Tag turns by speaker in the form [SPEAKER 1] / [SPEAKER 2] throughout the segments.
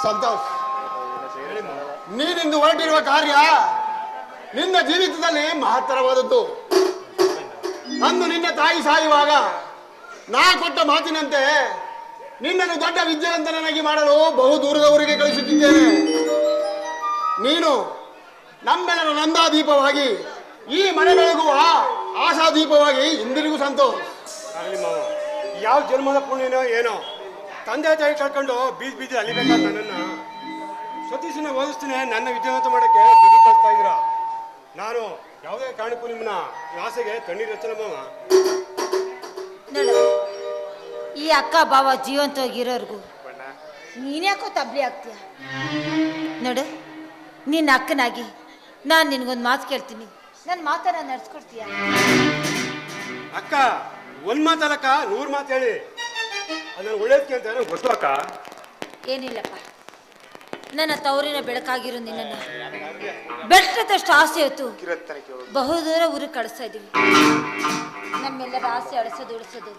[SPEAKER 1] ಸಂತೋಷ್, ನೀನಿಂದು ಹೊರಟಿರುವ ಕಾರ್ಯ ನಿನ್ನ ಜೀವಿತದಲ್ಲಿ ಮಹತ್ತರವಾದದ್ದು. ಅಂದು ನಿನ್ನ ತಾಯಿ ಸಾಯುವಾಗ ನಾ ಕೊಟ್ಟ ಮಾತಿನಂತೆ ನಿನ್ನನ್ನು ದೊಡ್ಡ ವಿದ್ಯಾವಂತನಾಗಿ ಮಾಡಲು ಬಹು ದೂರದವರೆಗೆ ಕಳಿಸುತ್ತಿದ್ದೇನೆ. ನೀನು ನಮ್ಮೆಲ್ಲರ ನಂದಾದೀಪವಾಗಿ, ಈ ಮನೆ ಬೆಳಗುವ ಆಶಾದೀಪವಾಗಿ ಇಂದಿರಿಗೂ ಸಂತೋಷ್.
[SPEAKER 2] ಆಗಲಿ ಮಾವ, ಯಾವ ಜನ್ಮದ ಪುಣ್ಯನೋ ಏನೋ ತಂದೆ ತಾಯಿ ಕಳ್ಕೊಂಡು ಬೀದಿ ಬೀದಿ ಅಲಿಬೇಕಾದ ನನ್ನನ್ನು ಸತೀಶನ ಓದಿಸ್ತೀನಿ, ನನ್ನ ವಿದ್ಯಾವಂತ ಮಾಡೋಕ್ಕೆ ಬಿಡಿ ಕಳಿಸ್ತಾ ಇದ್ದೀರ. ನಾನು ಯಾವುದೇ ಕಾರಣಕ್ಕೂ ನಿಮ್ಮನ್ನ ಆಸೆಗೆ ಕಣ್ಣೀರು ಹಚ್ಚಲ್ಲ ಮಾವ.
[SPEAKER 3] ನೋಡು, ಈ ಅಕ್ಕ ಬಾವ ಜೀವಂತವಾಗಿರೋರ್ಗು ನೀನ್ಯಾಕೋ ತಬ್ಲಿ ಆಗ್ತೀಯ? ನೋಡು, ನಿನ್ನ ಅಕ್ಕನಾಗಿ ನಾನು ನಿನ್ಗೊಂದು ಮಾತು ಕೇಳ್ತೀನಿ, ನನ್ನ ಮಾತನ್ನ ನಡ್ಸ್ಕೊಡ್ತೀಯ?
[SPEAKER 2] ಅಕ್ಕ ಒಂದ್ ಮಾತಲ್ಲಕ್ಕ 100 ಮಾತು ಹೇಳಿ, ಅದನ್ನ ಒಳ್ಳೇದಕ್ಕೆ ಅಂತ ನನಗೆ ಗೊತ್ತು ಅಕ್ಕ.
[SPEAKER 3] ಏನಿಲ್ಲಪ್ಪ, ನನ್ನ ತವರಿನ ಬೆಳಕಾಗಿರೋ ನಿನ್ನನ್ನು ಬೆಟ್ಟದಷ್ಟು ಆಸೆ ಹೊತ್ತು ಬಹುದೂರ ಊರಿಗೆ ಕಳಿಸ್ತಾ ಇದ್ದೀವಿ. ನಮ್ಮೆಲ್ಲರ ಆಸೆ ಅಳಿಸೋದು ಉಳಿಸೋದು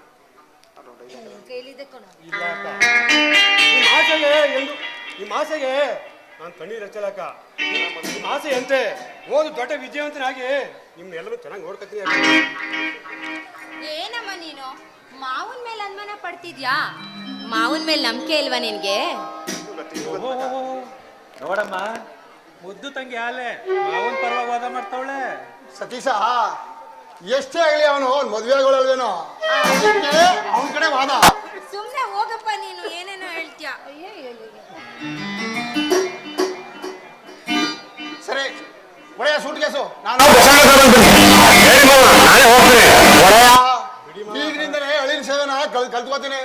[SPEAKER 3] ಕೈಲಿದೆ ಕಣೋ.
[SPEAKER 2] ನಿಮ್ಮ ಆಸೆಗೆ ನಾನು ಕಣ್ಣೀರು ಹಚ್ಚಲಕ್ಕ. ನಿಮ್ಮ ಆಸೆ ಅಂತೆ ಓದು ದೊಡ್ಡ ವಿದ್ಯಾವಂತನಾಗಿ ನಿಮ್ನೆಲ್ಲರೂ ಚೆನ್ನಾಗಿ ನೋಡ್ಕೊತೀನಿ.
[SPEAKER 4] ಏನಮ್ಮ ನೀನು ಮಾವನ ಮೇಲೆ ಅನುಮಾನ ಪಡ್ತಿದ್ಯಾ? ಮಾವನ ಮೇಲೆ ನಂಬಿಕೆ ಇಲ್ವಾ ನಿನ್ಗೆ?
[SPEAKER 5] ನೋಡಮ್ಮ, ಮುದ್ದು ತಂಗಿ ಆಲೆ ಮಾವನ್ ಪರವಾಗಿ ವಾದ ಮಾಡ್ತಾವಳೆ.
[SPEAKER 1] ಸತೀಶ, ಎಷ್ಟೇ ಆಗಲಿ ಅವನು ಮದುವೆ ಆಗೋಳಲ್ವೇನೋ, ಅವನ ಕಡೆ ವಾದ.
[SPEAKER 4] ಸುಮ್ನೆ ಹೋಗಪ್ಪ, ನೀನು ಏನೇನೋ ಹೇಳ್ತೀಯ.
[SPEAKER 1] ಸರಿ, ಒಳ್ಳೆಯ ಸೂಟ್ ಕೇಸು. ನಾನು ಈಗಿನಿಂದಲೇ ಅಳಿನ ಸೇವೆನ ಕಲ್ತ್ಕೋತೀನಿ.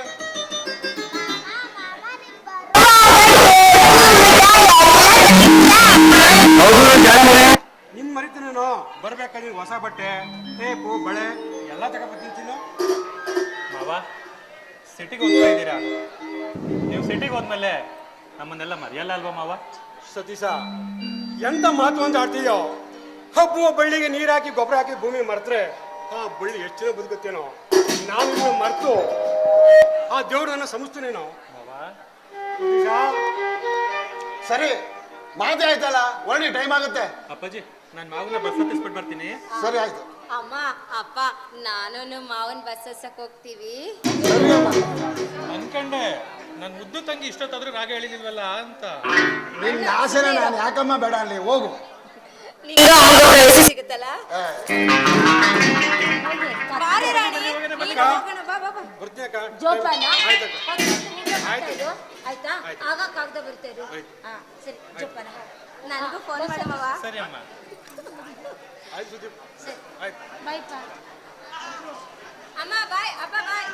[SPEAKER 2] ನಿನ್ ಮರಿತ ನಾನು ಬರ್ಬೇಕಾದ್ರೆ ಹೊಸ ಬಟ್ಟೆ, ಟೇಪು, ಬಳೆ ಎಲ್ಲ ತಗೊಬರ್ತೀನಿ.
[SPEAKER 5] ಮಾವ, ಸಿಟಿಗೆ ಹೋಗ್ತಾ ಇದ್ದೀರಾ? ನೀವು ಸಿಟಿಗೆ ಹೋದ್ಮೇಲೆ ನಮ್ಮನ್ನೆಲ್ಲ ಮರೆಯಲ್ಲ ಅಲ್ವಾ ಮಾವ?
[SPEAKER 2] ಸತೀಶ, ಎಂತ ಮಾತು ಅಂತ ಆಡ್ತೀಯೋ? ಹಬ್ಬುವ ಬಳ್ಳಿಗೆ ನೀರು ಹಾಕಿ ಗೊಬ್ಬರ ಹಾಕಿ ಭೂಮಿ ಮರೆತ್ರೆ ಆ ಬಳ್ಳಿ ಎಷ್ಟು ಜನ ಬದುಕುತ್ತೇನೋ. ನಾನು ಇದನ್ನ ಮರೆತು ಆ ದೇವ್ರು ನನ್ನ ಸಂಸ್ಥೆನೇನೋ
[SPEAKER 5] ಮಾವ.
[SPEAKER 2] ಸತೀಶ,
[SPEAKER 1] ಸರಿ, ಮಾತೇ ಆಯ್ತಲ್ಲ, ಒಳ್ಳೆ ಟೈಮ್ ಆಗುತ್ತೆ.
[SPEAKER 5] ಅಪ್ಪಾಜಿ, ನಾನು ಮಾವನ ಬಸ್ ಹತ್ತಿಸ್ಬಿಟ್ಟು ಬರ್ತೀನಿ.
[SPEAKER 1] ಸರಿ, ಆಯ್ತು.
[SPEAKER 4] ಅಮ್ಮ ಅಪ್ಪ, ನಾನು ಮಾವನ್ ಬಸ್ ಹಚ್ಚಕ್ ಹೋಗ್ತೀವಿ.
[SPEAKER 5] ಅನ್ಕಂಡೆ ನನ್ನ ಮುದ್ದು ತಂಗಿ ಇಷ್ಟೊತ್ತಾದ್ರೂ ರಾಗ ಹೇಳಿಲ್ವಲ್ಲ ಅಂತ.
[SPEAKER 1] ನಿನ್ನ ಆಸೆನ ನಾನು ಯಾಕಮ್ಮ ಬೇಡ ಅಲ್ಲಿ, ಹೋಗು.
[SPEAKER 4] ಸಿಗುತ್ತಲ್ಲ. ಬಾರೆ ರಾಣಿ, ನೀನು ಹೋಗೋಣ, ಬಾ ಬಾ ಬಾ.
[SPEAKER 2] ಬರ್ತೀನಿ ಅಕ್ಕ.
[SPEAKER 3] ಜೋಪಾನ.
[SPEAKER 2] ಆಯ್ತಕ್ಕ.
[SPEAKER 3] ಆಯ್ತಾ? ಆಗ ಕಾಗದ ಬರ್ತಾ ಇರು. ಹಾ, ಸರಿ, ಜೋಪಾನ.
[SPEAKER 4] ನನಗೂ ಫೋನ್ ಮಾಡಮ್ಮವ.
[SPEAKER 5] ಸರಿ ಅಮ್ಮ.
[SPEAKER 2] ಆಯ್ತು ಸುದೀಪ್,
[SPEAKER 3] ಸರಿ,
[SPEAKER 2] ಆಯ್ತು.
[SPEAKER 3] ಬಾಯ್ಪ.
[SPEAKER 4] ಅಮ್ಮ ಬಾಯ್, ಅಪ್ಪ ಬಾಯ್.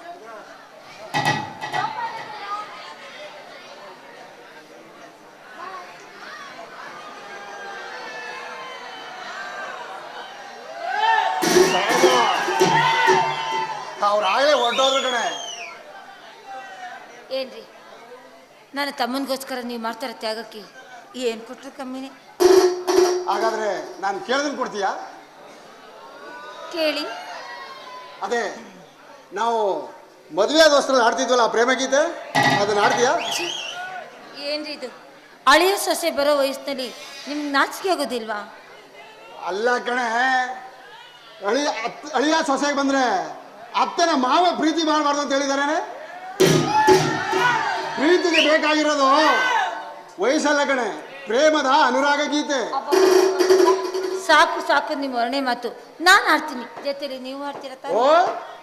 [SPEAKER 1] ಅವ್ರು ಆಗಲೇ ಹೊರಟೋದ್ರು ಕಣೆ.
[SPEAKER 3] ಏನ್ರಿ, ನನ್ನ ತಮ್ಮನಿಗೋಸ್ಕರ ನೀವು ಮಾಡ್ತಾರ ತ್ಯಾಗಕ್ಕೆ ಏನು ಕೊಟ್ಟರು ಕಮ್ಮಿನೇ.
[SPEAKER 1] ಹಾಗಾದ್ರೆ ನಾನು ಕೇಳಿದ್ರೆ ಕೊಡ್ತೀಯಾ?
[SPEAKER 3] ಕೇಳಿ.
[SPEAKER 1] ಅದೇ ನಾವು ಮದುವೆ ಆದೋಸ್ತ್ರ ಆಡ್ತಿದ್ವಲ್ಲ ಪ್ರೇಮ ಗೀತೆ, ಅದನ್ನ ಆಡ್ತೀಯಾ?
[SPEAKER 3] ಏನ್ರಿ ಇದು, ಅಳಿಯ ಸೊಸೆ ಬರೋ ವಯಸ್ಸಿನಲ್ಲಿ ನಿಮ್ಗೆ ನಾಚಿಕೆ ಆಗೋದಿಲ್ವಾ?
[SPEAKER 1] ಅಲ್ಲ ಕಣೆ, ಅಳಿಯ ಸೊಸೆಗೆ ಬಂದ್ರೆ ಅತ್ತನ ಮಾವ ಪ್ರೀತಿ ಮಾಡಬಾರ್ದು ಅಂತ ಹೇಳಿದಾರೇನೆ. ಪ್ರೀತಿಗೆ ಬೇಕಾಗಿರೋದು ವಯಸ್ಸಲ್ಲ ಕಣೆ, ಪ್ರೇಮದ ಅನುರಾಗ ಗೀತೆ.
[SPEAKER 3] ಸಾಕು ಸಾಕು ನಿಮ್ಮ ವರ್ಣೆ ಮಾತು. ನಾನು ಆಡ್ತೀನಿ, ಜೊತೆಲಿ ನೀವು ಆಡ್ತೀರ ತಾನೇ?
[SPEAKER 1] ಓ